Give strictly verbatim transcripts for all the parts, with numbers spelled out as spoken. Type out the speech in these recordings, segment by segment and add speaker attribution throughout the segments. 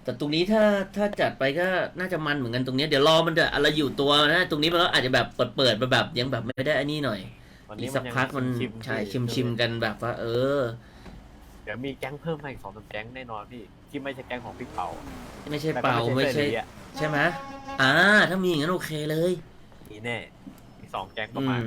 Speaker 1: แต่ตรงนี้ถ้าถ้าจัดไปก็น่าจะมันเหมือนกันตรงนี้เดี๋ยวรอมันจะอะไรอยู่ตัวนะตรงนี้มันก็อาจจะแบบเปิดเปิดมาแบบยังแบบไม่ได้อันนี้หน่อยอีกสักพักมันใช่ชิมชิมกันแบบว่า เออ
Speaker 2: เดี๋ยวมีแก๊งเพิ่มมาอีกสองสามแก๊งแน่นอนพี่ที่ไม่ใช่แก๊งของพี่เผา
Speaker 1: ไม่ใช่เป่าไม่ใช่ใช่ไหมอ่าถ้ามีอย่างนั้นโอเคเลย
Speaker 2: นี่แน่อีกสองแก๊งประมาณ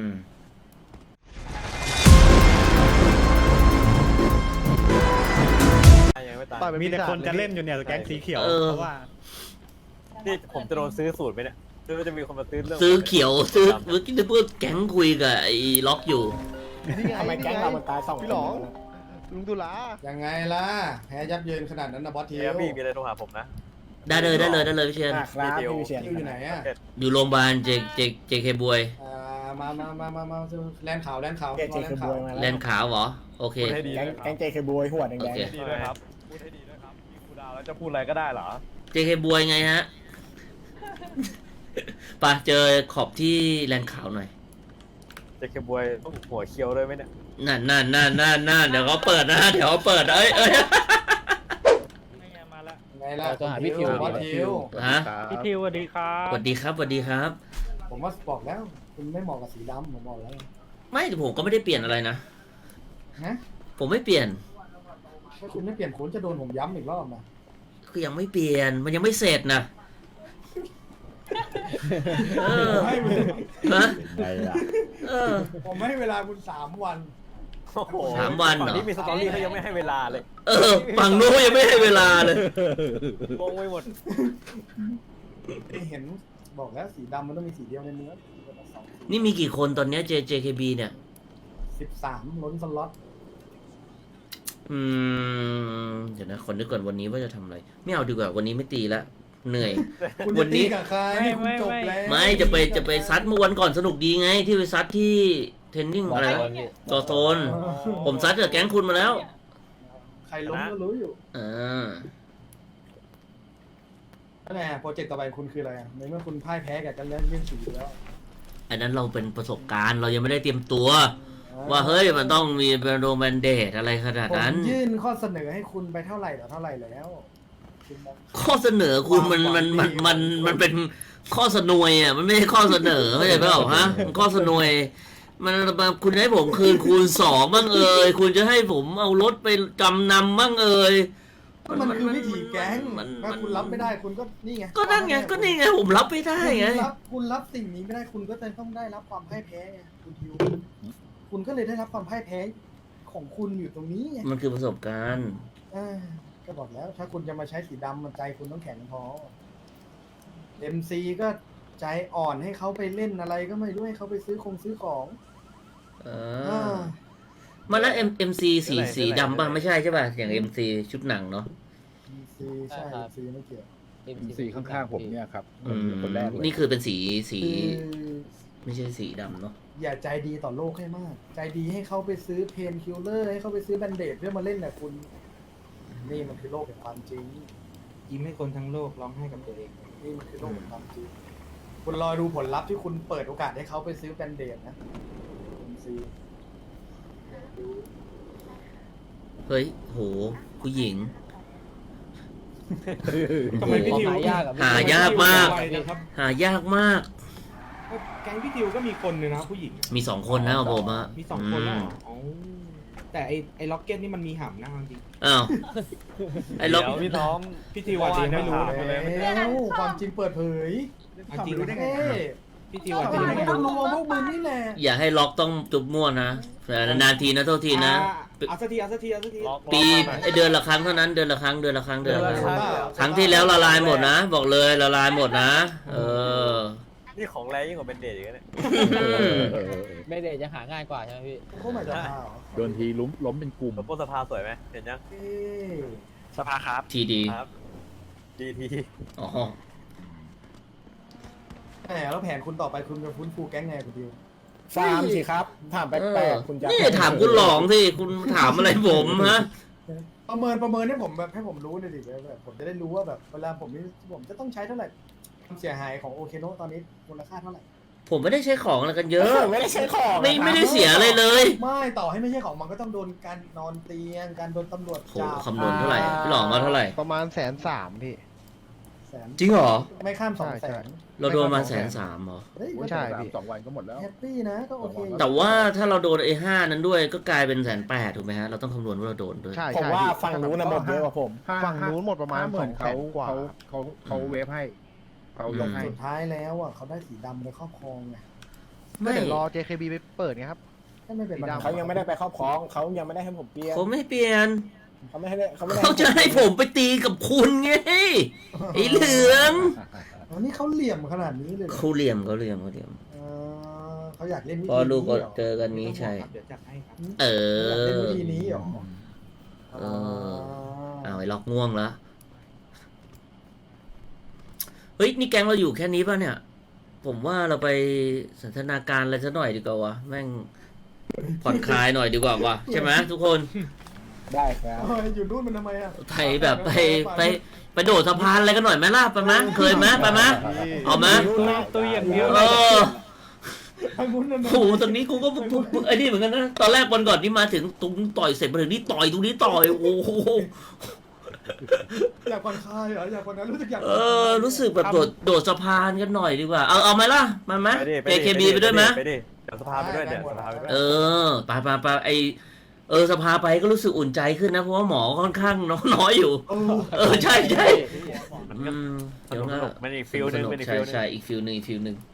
Speaker 3: มีแต่คนจะเล่นอยู่เนี่ยแก๊งสีเขียวเพราะว่า
Speaker 2: ที่ผมจะโดนซื้อสูตรไปเนี่ยคือจะมีคนมาซื้อเรื่อง
Speaker 1: ซื้อเขียวซื้อเมื่อกี้เพื่อแก๊งคุยกับไอ้ล็อกอยู่
Speaker 4: ทำไมแก๊งเรามันตายสอง
Speaker 5: พี่หลงลุงตุลา
Speaker 4: ยังไงล่ะแพ้ยับเยินขนาดนั้นนะบอสที
Speaker 2: พี่มีอะไรโทรหาผมนะ
Speaker 1: ได้เลยได้เลยได้เลยพี่เชียน
Speaker 4: ครับพี่เชียนอยู่ไหนอ่ะ
Speaker 1: อยู่โรงพยาบาลเจเจเจเคบวย
Speaker 4: อ่ามามามามามาแลนขาวแลนขาว
Speaker 5: เจเคบวยมา
Speaker 1: แลนขาวเหรอโอเค
Speaker 5: แก๊งเจเคบวยหัวแดงๆ
Speaker 2: พูดให้ดีด้วยครับพูดให้ดีด้วยครับมีครูดาวแล้วจะพูดอะไรก็ได้เหรอ
Speaker 1: เจเคบวยไงฮะปะเจอขอบที่แลนขาวหน่อย
Speaker 2: เจเคบวยต้องหัวเคี้ยวด้วยไหมเนี่ย
Speaker 1: นั่นนั่นนั่นนั่นนั่นเดี๋ยวเขาเปิดนะเดี๋ยวเขาเปิดเอ้ยเอ้ย
Speaker 4: ไงล่ะตัวหาพี่ทิวพี่ทิว
Speaker 1: ฮะ
Speaker 3: พี่ทิวสวัสดีครับ
Speaker 1: สวัสดีครับสวัสดีครับ
Speaker 4: ผมว่าบอกแล้วคุณไม่เหมาะกับสีดำผมบอกแล้ว
Speaker 1: ไม่แต่ผมก็ไม่ได้เปลี่ยนอะไรนะ
Speaker 4: ฮะ
Speaker 1: ผมไม่เปลี่ยน
Speaker 4: ถ้าคุณไม่เปลี่ยนคุณจะโดนผมย้ำอีกรอบนะ
Speaker 1: คือยังไม่เปลี่ยนมันยังไม่เสร็จนะเออฮะเออ
Speaker 4: ผมให้เวลาคุณสามวัน
Speaker 1: สามวันเหรอ
Speaker 2: นี่มีสตอรี่เขายังไม่ให้เวลาเลย
Speaker 1: เออฝั่งนู้นยังไม่ให้เวลาเลย
Speaker 2: งงไปหมด
Speaker 4: เห็นบอกแล้วสีดำมันต้องมีสีเดียวในเนื้อ
Speaker 1: นี่มีกี่คนตอนนี้ เจ เจ เค บี เนี่ย
Speaker 4: สิบสามล้นสล็อต
Speaker 1: อืมเดี๋ยวนะคนนึกก่อนวันนี้ว่าจะทำอะไรไม่เอาดีกว่าวันนี้ไม่ตีละเหนื่อย
Speaker 4: วันนี้กับใครไม่จบแล้ว
Speaker 1: ไม่จะไปจะไปซัดเมื่อวันก่อนสนุกดีไงที่ไปซัดที่เทรนนิ่งอะไรต่อโซนผมซัดกับแก๊งคุณมาแล้ว
Speaker 4: ใครล้มก็รู้อยู่
Speaker 1: อ่า
Speaker 4: นั่นแหละโปรเจกต์ต่อไปคุณคืออะไรในเมื่อคุณพ่ายแพ้กับกันเล่นเรื่องสีแล้ว
Speaker 1: อันนั้นเราเป็นประสบการณ์เรายังไม่ได้เตรียมตัวว่าเฮ้ยมันต้องมีเป็นโรแมนเดทอะไรขนาดนั้น
Speaker 4: ผมยื่นข้อเสนอให้คุณไปเท่าไหร่ต่อเท่าไหร่แล้ว
Speaker 1: ข้อเสนอคุณมันมันมันมันมันเป็นข้อเสนวยอ่ะมันไม่ใช่ข้อเสนอเข้าใจเปล่าฮะมันข้อเสนวยมันคุณให้ผมคืนคูณสองบ้างเอ่ยคุณจะให้ผมเอารถไปจำนำบ้างเอ่ย
Speaker 4: มันคือวิถีแก๊งถ้าคุณรับไม่ได้คุณก็นี่ไง
Speaker 1: ก็นั่นไงก็นี่ไงผมรับไม่ได้ไง
Speaker 4: คุณรับสิ่งนี้ไม่ได้คุณก็จะต้องได้รับความพ่ายแพ้ไงคุณทิวคุณก็เลยได้รับความพ่ายแพ้ของคุณอยู่ตรงนี้ไง
Speaker 1: มันคือประสบการณ์
Speaker 4: ก็บอกแล้วถ้าคุณจะมาใช้สีดำมันใจคุณต้องแข็งพอ เอ็ม ซี ก็ใจอ่อนให้เขาไปเล่นอะไรก็ไม่รู้ให้เขาไปซื้อคงซื้อของ
Speaker 1: เออมาแล้ว M MC สีสีดำบ้างไม่ใช่ใช่ป่ะอย่าง เอ็ม ซี ชุดหนังเนาะ
Speaker 4: เอ็ม ซี ใช่ เอ็ม ซี ไม่เกี่ยว
Speaker 5: เอ็ม ซี ข้างๆผมเนี่ยครับ
Speaker 1: คนแรกนี่คือเป็นสีสีไม่ใช่สีดำเนาะ
Speaker 4: อย่าใจดีต่อโลกให้มากใจดีให้เขาไปซื้อเพนคิลเลอร์ให้เขาไปซื้อแบนเดดเพื่อมาเล่นแต่คุณนี่มันคือโลกแห่งความจริง
Speaker 5: ยิ้มให้คนทั้งโลกร้องไห้กับตัวเอง
Speaker 4: นี่มันคือโลกแห่งความจริงคุณรอดูผลลัพธ์ที่คุณเปิดโอกาสให้เขาไปซื้อแบนเดดนะ
Speaker 1: เฮ้ยโหผู้หญิง
Speaker 5: ทำไมพี่ทิวหายาก
Speaker 1: หายากมากหายากมาก
Speaker 5: แก๊งพี่ทิวก็มีคนเลยนะผู้หญิง
Speaker 1: มีสองคนนะผมอะ
Speaker 5: มีสองคนแล้วแต่ไอไอล็อกเก็ตนี่มันมีหำนะจริง
Speaker 1: อ้าวไอล็อก
Speaker 2: พี่ท้อม
Speaker 5: พี่ทิวว่าจริงไม่รู้
Speaker 4: แล้วความจริงเปิดเผย
Speaker 5: จริงรู้ได้ไงพี่ทิวว่าจริง
Speaker 4: ไม่ต้องรู้ว่าพวกมึงนี่แหละ
Speaker 1: อย่าให้ล็อกต้องจุบมั่วนะนานทีนะโทษทีนะ
Speaker 5: เอาสักทีเอาสักทีเอาสักที
Speaker 1: ปีเดือนละครั้งเท่านั้นเดือนละครั้งเดือนละครั้งเดือนละครั้งครั้งที่แล้วละลายหมดนะบอกเลยละลายหมดนะเออ
Speaker 2: นี่ของแรงยิ่งกว่าเป็นเดทอีกเนี่ย
Speaker 6: เบเดจะหาง่ายกว่าใช่ไหมพี่
Speaker 4: โอ้ไม่ได้
Speaker 5: โดนทีล้มล้มเป็นกลุ่ม
Speaker 2: แล้วพวกสภาสวยไหมเห็นยัง
Speaker 3: สภาครับ
Speaker 1: ทีดี
Speaker 2: ครับดีที
Speaker 1: อ๋อ
Speaker 4: แหมแล้วแผนคุณต่อไปคุณจะฟื้นฟูแก๊งไงคุณดิว
Speaker 5: ฟาร์มสิครับถามแปลกๆคุณจะ
Speaker 1: นี่ถามคุณหลองสิคุณถามอะไรผมฮะ
Speaker 4: ประเมินประเมินให้ผมแบบให้ผมรู้หน่อยดิแบบผมจะได้รู้ว่าแบบเวลาผมนี่ผมจะต้องใช้เท่าไหร่ความเสียหายของโอเคโนะตอนนี้มูลค่าเท่าไหร่
Speaker 1: ผมไม่ได้ใช้ของอะไรกันเยอะ
Speaker 5: ไม่ได้ใช้ของ
Speaker 1: ไม่ไม่ได้เสียอะไรเลย
Speaker 4: ไม่ต่อให้ไม่ใช่ของมันก็ต้องโดนการนอนเตียงการโดนตำรวจจับ
Speaker 1: คำนวณเท่าไหร่พี่หลองมาเท่าไหร่
Speaker 5: ประมาณแสนสามพี่
Speaker 4: แสน
Speaker 1: จริงเหรอ
Speaker 4: ไม่ข้ามสองแสน
Speaker 1: เราโดนมาแสนสามเหรอ
Speaker 4: เฮ้ย
Speaker 7: ใช่พี่สองวันก็หมดแล้ว
Speaker 4: แฮปปี้นะก็โอเคอยู่
Speaker 1: แต่ว่าถ้าเราโดนไอ้ห้านั้นด้วยก็กลายเป็นแสนแปดถูกไหมฮะเราต้องคำนวณว่าเราโดนด้วย
Speaker 7: ใช่
Speaker 8: ผม
Speaker 7: ใช่
Speaker 8: ว่า
Speaker 7: พี่
Speaker 8: ฝั่งนู้นนะหมดเยอะกว่าผม
Speaker 7: ฝั่งนู้นหมดประมาณ ห้ห สองแสเขานกว่า
Speaker 8: เขาเขาเขาเวฟให้เขายกให้
Speaker 4: สุดท้ายแล้วอ่ะเขาได้สีดำไปครอบครองไง
Speaker 7: ก็
Speaker 1: ไม่
Speaker 7: เดี๋ยวรอ เจ เค บี ไปเปิดไงครับ
Speaker 4: ก็ไม่เป็นปัญหา
Speaker 8: เขายังไม่ได้ไปครอบครองเขายังไม่ได้ให้ผมเปลี่ยน
Speaker 1: เขาไม่เปลี่ยน
Speaker 8: เขาไม่ให้เขาไม่ได้
Speaker 1: เขาจะให้ผมไปตีกับคุณไงไอ้เหลือง
Speaker 4: อันนี้เขาเหลี่ยมขนาดนี้เลยเหรอ
Speaker 1: เขาเหลี่ยมเขาเหลี่ยมเขาเหลี่ยม
Speaker 4: เออเขาอยากเล่นวิธี
Speaker 1: พอลูกก็
Speaker 4: นี้เหรอ
Speaker 1: เจอกันนี้ใช่
Speaker 5: เดี๋ยวจัดให้ครับ
Speaker 1: เอ
Speaker 4: อยากเล่น
Speaker 1: อ
Speaker 4: วิธีนี้เหรอ
Speaker 1: เออ เอาไอ้ล็อกง่วงแล้วเฮ้ยนี่แก๊งเราอยู่แค่นี้ป่ะเนี่ย ผมว่าเราไปสันทนาการอะไรสักหน่อยดีกว่าวะแม่งผ่อนคลายหน่อยดีกว่าวะใช่ไหมทุกคน
Speaker 8: ได้ครับ
Speaker 4: เฮ้ยอยู่นู่นมันทำไมอ่ะ
Speaker 1: ไปแบบไปไปไปโดดสะพานอะไรกันหน่อยไหมล่ะไปไหมเคยไหมไปไหมเอาไหม
Speaker 3: ตัวอย่างเดียว
Speaker 1: เออ
Speaker 4: ทางนู้นนั่น
Speaker 1: โอ้โหตรงนี้กูก็ปุ๊บปุ๊บไอ้นี่เหมือนกันนะตอนแรกวันก่อนที่มาถึงตรงต่อยเสร็จมาถึงนี่ต่อยตรงนี้ต่อยโอ้โห
Speaker 4: อยากผ่อนคลายเหรออยากผ่อนคลายรู้สึกอยาก
Speaker 1: เออรู้สึกแบบโดดโดดสะพานกันหน่อยดีกว่าเอาเอาไหมล่ะมาไหม
Speaker 2: ไปดิ
Speaker 1: เจเคบีไปด้วยไหม
Speaker 2: ไปดิเดี๋ยวสภาไปด้วยเดี๋ยวสภาไปด้วย
Speaker 1: เออไปไปไปไอเออสภาไปก็รู้สึกอุ่นใจขึ้นนะเพราะว่าหมอค่อนข้างน้อยอยู่
Speaker 4: เออ
Speaker 1: เออใช่ใช่
Speaker 2: มันก็
Speaker 1: อืม
Speaker 2: ส
Speaker 1: เดี๋ยว
Speaker 2: นุก
Speaker 1: นะ
Speaker 2: สนุกมันอีกฟิลหนึงเป็นอีก
Speaker 1: ใช่
Speaker 2: ฟิลหนึง
Speaker 1: ใช่อีกฟิลหนึ่งอีกฟิลหนึ่ง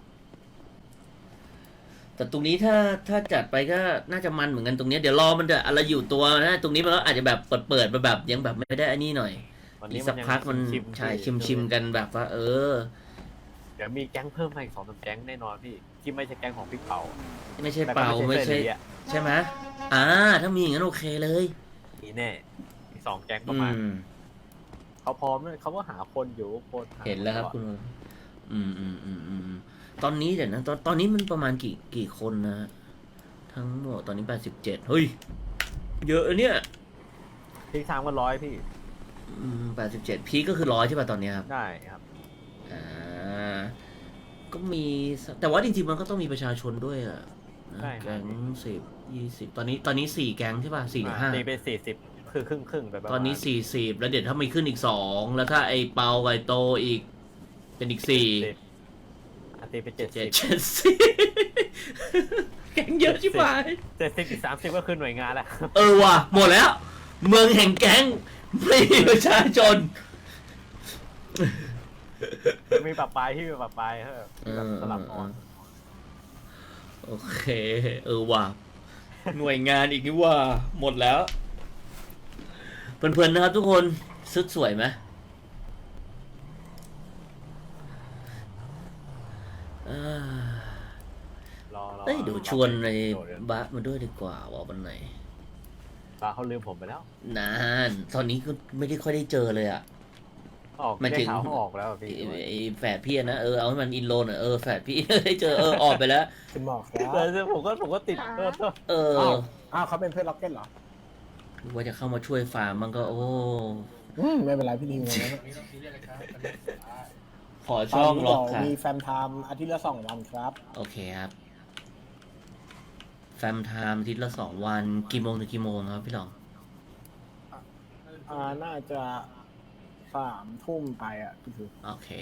Speaker 1: แต่ตรงนี้ถ้าถ้าจัดไปก็น่าจะมันเหมือนกันตรงเนี้ยเดี๋ยวรอมันจะอะไรอยู่ตัวนะตรงนี้มันก็อาจจะแบบเปิดเปิดๆมาแบบยังแบบไม่ได้อันนี้หน่อย
Speaker 2: วัน
Speaker 1: อี
Speaker 2: นี้
Speaker 1: กสักพักมัน
Speaker 2: ชิม
Speaker 1: ใช่ชิมชิมๆกันแบบว่า เออ
Speaker 2: เดี๋ยวมีแก๊งเพิ่มมาอีกสองสามแก๊งแน่นอนพี่ที่ไม่ใช่แก๊งของพี่เปา
Speaker 1: ไม่ใช่
Speaker 2: แต่ก็
Speaker 1: เป่าไม่ใช่
Speaker 2: เสื้อเหลืองอะ
Speaker 1: ใช่ไหมอ่าถ้ามีอย่างนั้นโอเคเลย
Speaker 2: มีแน่อีกสองแก๊งป
Speaker 1: อื
Speaker 2: ระมาณ
Speaker 1: ม
Speaker 2: เขาพร้อมเลยเขาก็หาคนอยู่คนหา
Speaker 1: เห็นแล้วครับคุณอืมอืมอืมอืมตอนนี้เดี๋ยวนะตอนตอนนี้มันประมาณกี่กี่คนนะ ทั้งหมดตอนนี้แปดสิบเจ็ดเฮ้ย เยอะเนี่ย
Speaker 2: พีคสามก็ร้อยพี่
Speaker 1: อืมแปดสิบเจ็ดพีคก็คือร้อยใช่ป่ะตอนเนี้ยครับ
Speaker 2: ได้ครับ
Speaker 1: อ่า ก็มีสักแต่ว่าจริงๆมันก็ต้องมีประชาชนด้วยอ่ะนะ
Speaker 2: ใช่ครับ
Speaker 1: แก๊งสิบยี่สิบตอนนี้ตอนนี้สี่แก๊งใช่ป่ะสี่หรือห้า
Speaker 2: ตีเป็นสี่สิบคือครึ่งครึ่งๆไปประมาณ
Speaker 1: ตอนนี้สี่สิบแล้วเดี๋ยวถ้ามีขึ้นอีกสองแล้วถ้าไอเปาไอโตอีก เป็นอีกสี่
Speaker 2: สิบอ่ะตีเป็นเจ็ด
Speaker 1: เจ็
Speaker 2: สิ
Speaker 1: ด
Speaker 2: บ
Speaker 1: เจ็ดสิบแก๊งเยอะชิบหาย
Speaker 2: เจ็ดสิบอีกสามสิบก็คือหน่วยงานแล้ว
Speaker 1: เออว่ะหมดแล้ว เมืองแห่งแก๊งไม่มีประชาชน
Speaker 2: มีปรับปลายที่มีปรับปลายเออ
Speaker 1: เออ
Speaker 2: สลับออน
Speaker 1: โอเค เออว่ะหน่วยงานอีกนี่ว่า หมดแล้วเพื่อนๆนะครับทุกคนชุดสวยไหมอ่าร
Speaker 2: อรอ
Speaker 1: เอ้ยเดี๋ยวชวนใน
Speaker 2: โดดเดี๋ยว
Speaker 1: บาสมาด้วยดีกว่าว่าวันไหน
Speaker 2: ปลาเขาลืมผมไปแล้ว
Speaker 1: นานตอนนี้ก็ไม่ได้ค่อยได้เจอเลยอ่ะ
Speaker 2: ออก
Speaker 1: หมายถึง
Speaker 2: ได้ข่าวเขาออกแล้วอะพี่
Speaker 1: ไอ้ไอ้แฝดพี่อะนะเออเอาให้มันอินโลนอ่ะเออแฝดพี่ ได้เจอเออออกไปแล้ว
Speaker 8: คุณหมอครับ
Speaker 2: แต่ผมก็ผมก็ติดเออ
Speaker 1: เออ
Speaker 8: อ้าวอ้าวเขาเป็นเพื่อนล็อกเก็ตเหรอ
Speaker 1: ว่าจะเข้ามาช่วยฟาร์มมันก็โอ้
Speaker 8: อืมไม่เป็นไรพี่นิวนะ
Speaker 1: ขอช่องล็อก
Speaker 8: ตน
Speaker 1: ค่ะ
Speaker 8: นี้มีแฟมไทม์อาทิตย์ละสองวันครับ
Speaker 1: โอเคครับแฟมไทม์อาทิตย์ละสองวันกี่โมงถึงกี่โมงครับพี่หลอง
Speaker 8: อ่าน่าจะสามทุ่มไปอ่ะพี่คือ
Speaker 1: โอเค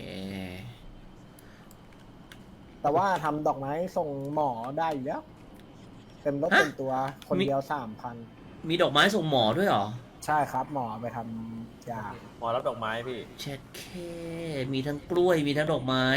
Speaker 8: แต่ว่าทำดอกไม้ส่งหมอได้อยู่แล้วเต็มรถ
Speaker 1: ฮะ
Speaker 8: เต็มตัวคนเดียวสามพัน
Speaker 1: มีดอกไม้ส่งหมอด้วยเหรอ
Speaker 8: ใช่ครับ หมอไปทำยา
Speaker 2: หมอรับดอกไม้พี่
Speaker 1: เช็ดเคมีทั้งกล้วยมีทั้งดอกไม้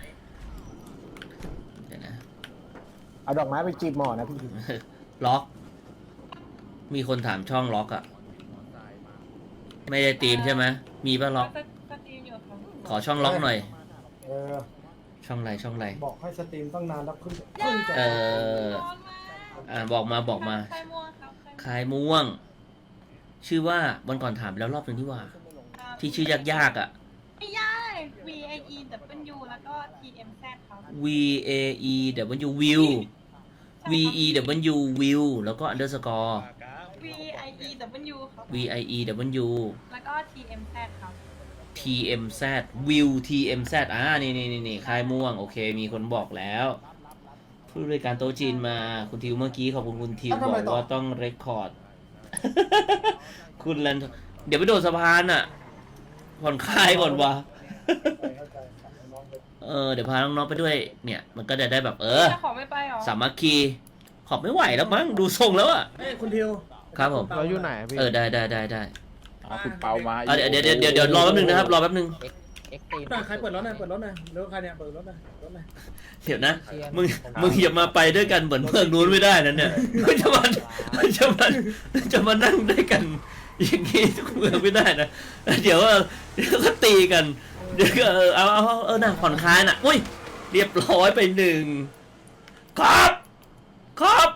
Speaker 1: เดี๋ยวนะ
Speaker 8: เอาดอกไม้ไปจีบหมอนะพี่คือ
Speaker 1: ล็อก มีคนถามช่องล็อกอะไม่ได้ตีมใช่ไหมมีป่ะล็อก
Speaker 9: สตรีมอยู่ครับ
Speaker 1: ขอช่องล็อกหน่อย
Speaker 4: เออ
Speaker 1: ช่องไรช่องไร
Speaker 4: บอกให้สตรีมตั้งนานแล้วเพิ่งเพิ่งจะ
Speaker 1: เออ
Speaker 9: ร้อนมาก
Speaker 1: อ่าบอกมาบอกมา
Speaker 9: ไข่ม่วงครับไข่ม่วง
Speaker 1: คายม่วง ชื่อว่าวันก่อนถามไปแล้วรอบหนึ่งที่ว่า
Speaker 9: ครับ
Speaker 1: ที่ชื่อยากๆอ่ะ
Speaker 9: ไม่ใช่ V I E W แล้วก็ T M Z ครับ
Speaker 1: V A E W View V E W View แล้วก็ underscore
Speaker 9: V I E W ครับ
Speaker 1: V I E W
Speaker 9: แล้วก็ T M Z ครับ
Speaker 1: T M Z View T M Z อ่านี่นี่นี่นี่คายม่วง โอเค มีคนบอกแล้วผู้บริการโต๊ะจีนมา คุณทิวเมื่อกี้ขอบคุณคุณทิวบอกว่าต้องเรคคอร์ด คุณลันเดี๋ยวไปโดดสะพานอ่ะ ผ่อนคลายก่อนวะ
Speaker 4: เข้าใจครับน้องไป
Speaker 1: เออเดี๋ยวพาน้องๆไปด้วยเนี่ย มันก็จะได้แบบเออ
Speaker 9: จะขอไม่ไปหรอ
Speaker 1: สามัคคีขอบไม่ไหวแล้วมั้งดูทรงแล้วอ่ะ
Speaker 4: เอ้ยคุณทิว
Speaker 1: ครับผม
Speaker 7: เราอยู่ไหนอะพี่
Speaker 1: เออได้ได้ได้ได้
Speaker 8: คุณเปามา
Speaker 1: อ่ะเดี๋ยวเดี๋ยวเดี๋ยวเดี๋ยวรอแป๊บนึงนะครับรอแป๊บนึง
Speaker 6: เอ็กตีม
Speaker 4: ใครเปิดรถหน่อยเปิดรถหน่อยเร็วใครเนี่ยเปิดรถหน่อยรถหน่อย
Speaker 1: เดี๋ยวนะมึงมึงอย่ามาไปด้วยกันเหมือนเมืองนู้นไม่ได้นะเนี่ยมึงจะมามึงจะมาจะมานั่งด้วยกันอย่างงี้ทุกเมืองไม่ได้นะเดี๋ยวเดี๋ยวก็ตีกันเดี๋ยวก็เออเอาเอาเอาเออน่ะผ่อนคลายน่ะอุ้ยเรียบร้อยไปหนึ่งครับครับ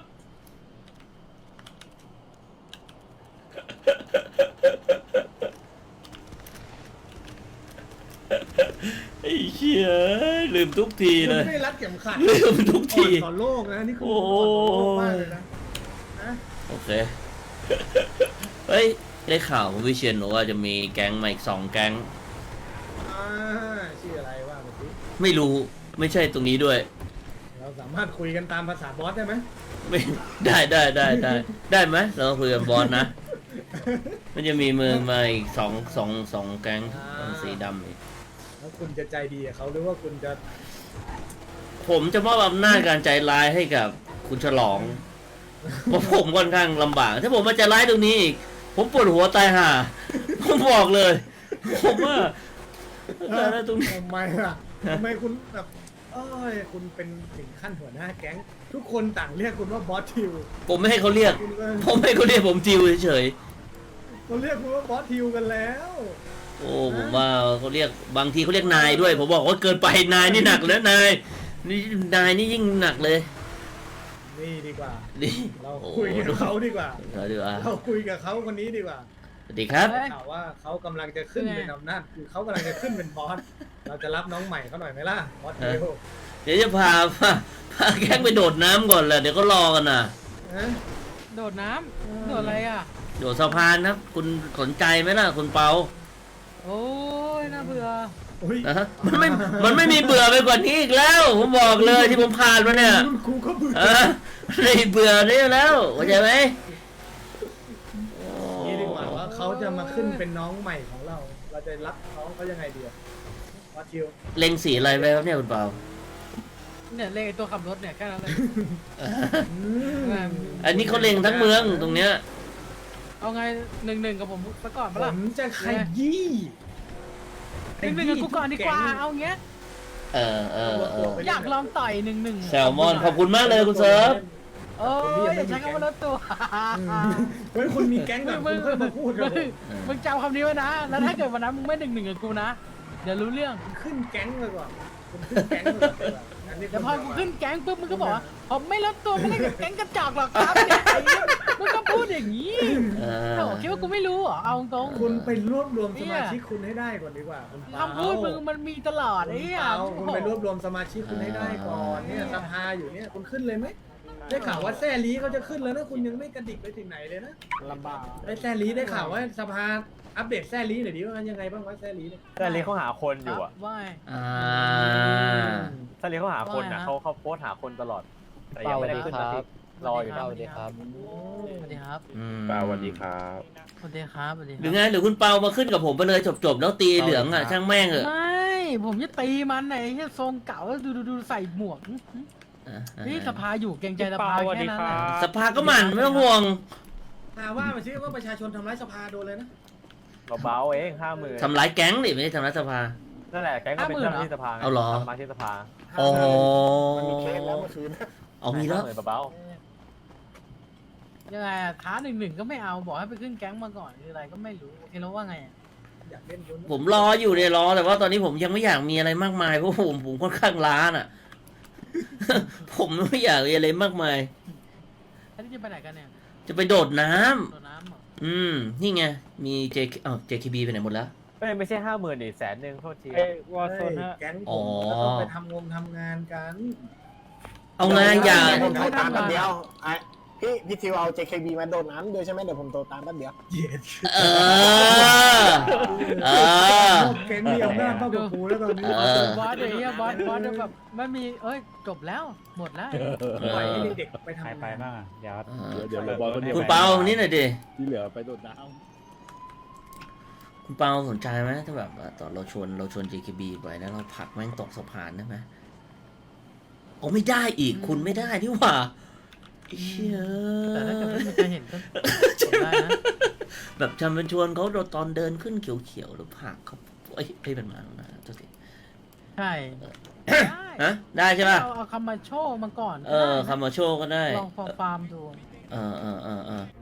Speaker 1: ไอ้เหี้ยลืมทุกที
Speaker 4: คุณ
Speaker 1: เลย
Speaker 4: ไม่ได้รัดเข็มขัด
Speaker 1: ลืมทุกที
Speaker 4: อ่อนต่อโลกนะนี่คืออ่อนต่อโลกมากเลยนะนะ
Speaker 1: โอเค เฮ้ย ได้ข่าวคุณวิเชียนบอกว่าจะมีแก๊งมาอีกสองแก๊ง
Speaker 4: อ่าชื่ออะไรว่าเมื่อกี้
Speaker 1: ไม่รู้ ไม่ใช่ตรงนี้ด้วย
Speaker 4: เราสามารถคุยกันตามภาษาบอสได้ไหม
Speaker 1: ไม่ ได้ได้ได้ได้ได้ไหมเราคุยกับบอสนะ มันจะมีมือมาอีกสองสองสองแก๊งสีดำอีก
Speaker 4: แล้วคุณจะใจดีกับเขาหรือว่าคุณจะ
Speaker 1: ผมจะมอบอำนาจการใจร้ายให้กับคุณฉลอง เพราะผมค่อนข้างลำบาก ถ้าผมมาใจร้ายตรงนี้อีก ผมปวดหัวตายห่า ผมบอกเลย ผมว่าใจร้ายตรงนี้
Speaker 4: ทำไมล่ะทำไมคุณแบบเอ้ยคุณเป็นถึงขั้นหัวหน้าแก๊ง ทุกคนต่างเรียกคุณว่าบอสทิว
Speaker 1: ผมไม่ให้เขาเรียก
Speaker 4: คุณก็
Speaker 1: ผมให้เขาเรียกผมจิวเฉย
Speaker 4: เขาเรียกคุณว่าบอสทิวกันแล้ว
Speaker 1: ๆโอ้ผมว่าเขาเรียกบางทีเขาเรียกนายด้วย ผมบอกว่าเกินไปนายนี่หนักแล้วนายนี่นายนี่ยิ่งหนักเลย
Speaker 4: นี่ดีกว่า
Speaker 1: นี่
Speaker 4: เรา
Speaker 1: โอ้
Speaker 4: คุยกับเขาดีกว่า
Speaker 1: เราดีกว่า
Speaker 4: เราคุยกับเขาคนนี้ดีกว่า
Speaker 1: สวัสดีครับ
Speaker 4: ข่าวว่าเขากำลังจะขึ้นเป็นอำนาจคือเขากำลังจะขึ้นเป็นบอส เราจะรับน้องใหม่เขาหน่อยไหมล่ะบอสทิว
Speaker 1: เดี๋ยวจะพาพาพาแก๊งไปโดดน้ำก่อนแหละเดี๋ยวก็รอกันน่ะ
Speaker 4: ฮะ
Speaker 6: โดดน้ำโดดอะไรอ่ะ
Speaker 1: โดดสะพานนะคุณสนใจไหมล่ะคุณเปา
Speaker 6: โอ้ยน่าเบื่อ
Speaker 4: อุ้ย
Speaker 1: นะฮะมันไม่มันไม่มีเบื่อไปกว่านี้อีกแล้ว ผมบอกเลยที่ผมผ่านมาเนี่ย
Speaker 4: รุ่นครูก็เบื่อ
Speaker 1: เออไม่เบื่อได้แล้วเข้าใจไหม
Speaker 4: นี่ดีกว่าว่าเขาจะมาขึ้นเป็นน้องใหม่ของเรา เราจะรับน้องเขายังไงดีอะบอสทิว
Speaker 1: เล็งสีอะไรไปครับเนี่ยคุณเปา
Speaker 6: เนี่ยเลขไอ้ตัวขับรถเนี่ยแค่นั้นเลย
Speaker 1: อันนี้เขาเล็งทั้งเมืองตรงเนี้ย
Speaker 6: เอาไงหนึ่งหนึ่งกับผมซะก่อน
Speaker 4: ผ
Speaker 6: ปะล่ะ
Speaker 4: มจะขยี้
Speaker 6: หนึ่งหนึ่งกับกูก่อนดีกว่าเอาเงี้ย
Speaker 1: เออเออเออ
Speaker 6: อยากลองต่อยหนึ่งหนึ่ง
Speaker 1: แซลมอนขอบคุณมากเลยคุณเซิร์ฟ
Speaker 6: โอ้ยใช้คำว่าลดตัว
Speaker 4: เฮ้ยคุณมีแก๊งแบบ
Speaker 6: มึ
Speaker 4: คุณ
Speaker 6: ง
Speaker 4: ค่อยมาพูดกับผม
Speaker 6: มึงจำคำนี้ไว้นะ แล้วถ้าเกิดวันนั้นมึงไม่หนึ่งหนึ่งกับกูนะเดี๋ยวรู้เรื่อง
Speaker 4: ขึ้นแก๊งเลยก่อนคุณขึ้นแก๊งเลยก่อนอันนี้
Speaker 6: เดี๋ยวพอกูขึ้นแก๊งปุ๊บมึงก็บอกว่าผมไม่ลดตัวไม่ได้กับแก๊งกระจอกหรอกครับเนี่ยไอ้เหี้ยมึงก็พูดอย่างนี้
Speaker 1: เอ
Speaker 6: โอ้
Speaker 1: อ
Speaker 6: คิดว่ากูไม่รู้เหรอเอาตรง
Speaker 4: คุณไปรวบรวมสมาชิกคุณให้ได้ก่อนดีกว่าคุณเปา
Speaker 6: คำพูดมึงมันมีตลอดไอ้
Speaker 4: คุณ
Speaker 6: เหี้ย
Speaker 4: เปาคุณไปรวบรวมสมาชิกคุณให้ได้ก่อนเนี่ยสภาอยู่เนี่ยคุณขึ้นเลยไหมได้ข่าวว่าแซ่ลีเขาจะขึ้นแล้วนะคุณยังไม่กระดิกไปถึงไหนเลยนะ
Speaker 8: ลำบาก
Speaker 4: ไอ้แซ่ลีได้ข่าวว่าสภาอัปเดตแซ่ลีหน่อยดิว่ามันยังไงบ้างวะแซ่ลีเนี่ย
Speaker 2: แต่เลี้ยงเขาหาคนอยู่อ่ะ
Speaker 6: ว่า
Speaker 1: อ่า
Speaker 2: ถ้าเลี้ยงเขาหาคนนะ
Speaker 6: ว่าไงฮะ
Speaker 2: เขาเขาโพสต์หาคนตลอด แต่ยังไม่ได้ขึ้นสักทีรออยู่
Speaker 6: สวัสดีครับสวัสดีครับ
Speaker 1: อืม
Speaker 8: สวัสดีครับ
Speaker 6: สวัสดีครับสวัสดีค
Speaker 1: หรือ
Speaker 6: รับ
Speaker 1: ไงหรือคุณเปามาขึ้นกับผมไปเลยจบๆแล้วตีเหลืองอ่ะช่างแม่งเถอะ
Speaker 6: ไม่ผมจะตีมันไหนที่ทรงเก่าแล้วดูดูดูใส่หมวก
Speaker 1: อ่ะ
Speaker 6: นี่สภาอยู่เกรงใจสภาแค่นั้นแหละ
Speaker 1: สภาก็หมันไม่ต้องห่วง
Speaker 4: หาว่ามาซิว่าประชาชนทำร้ายสภาโดนเลยนะ
Speaker 2: เบาๆเองห้าหมื่น
Speaker 1: ทำร้ายแก๊งดิไม่ใช่ทำร้ายสภา
Speaker 2: นั่นแหละแก๊งก็เป็นเจ้าหน้าที่สภาไง
Speaker 1: เอาเหรอ
Speaker 2: สมาชิกสภา
Speaker 1: อ๋อ
Speaker 8: มันมีเคสแล้วเมื่อคืน
Speaker 1: เอามีแล้ว
Speaker 2: ห้าหมื่นเบา
Speaker 6: ยังไงอะท้าหนึ่งหนึ่งก็ไม่เอาบอกให้ไปขึ้นแก๊งมาก่อนหรืออะไรก็ไม่รู้โอเคแล้วว่าไงอะ
Speaker 4: อยากเล่นคุณ
Speaker 1: ผมรออยู่เนี่ยรอแต่ว่าตอนนี้ผมยังไม่อยากมีอะไรมากมายเพราะผมผมค่อนข้างล้าน่ะ ผมไม่อยากมีอะไรมากมาย
Speaker 6: แล้วที่จะไปไหนกันเนี่ย
Speaker 1: จะไปโดดน้ำ
Speaker 6: โดดน้ำเหรอ
Speaker 1: อืมนี่ไงมี J อ้าว เจ เค บี ไปไหนหมดแล้ว
Speaker 2: ๆไม่ไม่ใช่ห้าหมื่นดิแสนหนึ่งโทษที
Speaker 3: เอ้ยวอร์โซน
Speaker 4: เฮ้ย
Speaker 3: ฮะ
Speaker 4: แก๊งผ
Speaker 1: อ๋อ
Speaker 4: มก็ต้องไปทำงงทำงานกัน
Speaker 1: เอาไงอย่า
Speaker 8: ผมโทรตามแป๊บเดียวไอ้พี่พี่ทิวเอา เจ เค บี มาโดดน้ำด้วยใช่ไหมเดี๋ยวผมโทรตามแป๊บเดียว
Speaker 4: เย็ด
Speaker 1: เออ เออ
Speaker 4: แก๊งมีอำนาจมากกว่ากูแล้วตอนนี้
Speaker 1: เออ
Speaker 6: บอสเดี๋ยวเนี้ยบอสบอสเดี๋ยวแบบไม่มีเอ้ยจบแล้วหมดแล้ว
Speaker 4: ปล่อยให้เด็กๆไปทำ
Speaker 3: ใครง
Speaker 4: าน
Speaker 3: ไปบ้างอ่ะเดี๋ยว
Speaker 1: เออ
Speaker 7: เดี๋ยวเราบอลคนเดียว
Speaker 1: คุณเปานี่หน่อยดิ
Speaker 7: ที่เหลือไปโดดน้
Speaker 1: คคุณเปาสนใจไหมถ้าแบบว่าตอนเราชวนเราชวน เจ เค บี ไปแล้วเราผลักแม่งตกสะพานได้ไหมโอ้ไม่ได้อีกคุณไม่ได้นี่หว่าเชี่ย
Speaker 6: แต่ถ้าเกิดว่ามันจะเห็นก็ผมได้นะ
Speaker 1: แบบจำเป็นชวนเขาตอนเดินขึ้นเขียวๆหรือผลักเขาเอ้ยเอ้ยเป็นมาแล้วนะตัวที
Speaker 6: ใช่
Speaker 1: ฮะได้ใช่ป่ะ
Speaker 6: เอาเอาคำมาโชว์มาก่อน
Speaker 1: เออคำมาโชว์ก็ได้
Speaker 6: ลองฟอร์ฟาร์มดู
Speaker 1: เออเออเออเออ